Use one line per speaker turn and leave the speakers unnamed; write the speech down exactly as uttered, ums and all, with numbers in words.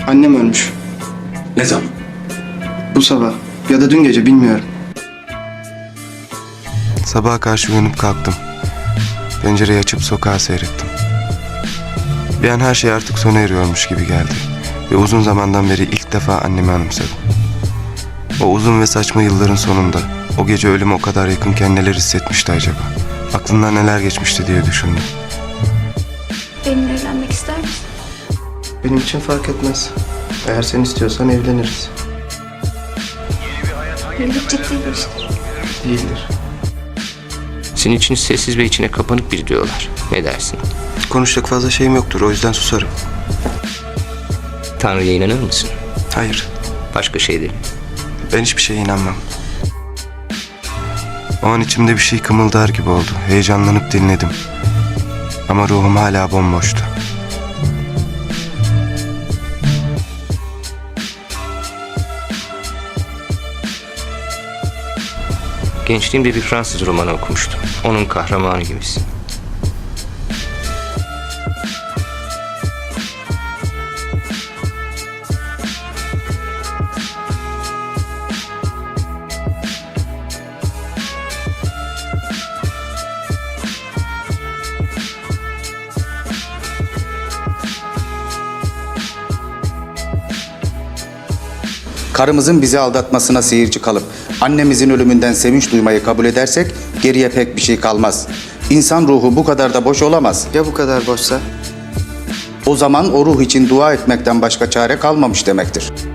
Annem ölmüş.
Ne zaman?
Bu sabah ya da dün gece bilmiyorum.
Sabaha karşı uyanıp kalktım. Pencereyi açıp sokağa seyrettim. Bir an her şey artık sona eriyormuş gibi geldi. Ve uzun zamandan beri ilk defa annemi anımsadım. O uzun ve saçma yılların sonunda, o gece ölüme o kadar yakınken neler hissetmişti acaba? Aklından neler geçmişti diye düşündüm.
Benimle evlenmek ister misin?
Benim için fark etmez. Eğer sen istiyorsan evleniriz.
Evlilik ciddi bir iştir.
Değildir.
Senin için sessiz ve içine kapanık biri diyorlar. Ne dersin?
Konuşacak fazla şeyim yoktur, o yüzden susarım.
Tanrı'ya inanır mısın?
Hayır,
Başka şeyleri.
ben hiçbir şeye inanmam. O an içimde bir şey kımıldar gibi oldu. Heyecanlanıp dinledim. Ama ruhum hala bomboştu.
Gençliğimde bir Fransız romanı okumuştum. Onun kahramanı gibisin.
Karımızın bizi aldatmasına seyirci kalıp annemizin ölümünden sevinç duymayı kabul edersek geriye pek bir şey kalmaz. İnsan ruhu bu kadar da boş olamaz.
Ya bu kadar boşsa?
O zaman o ruh için dua etmekten başka çare kalmamış demektir.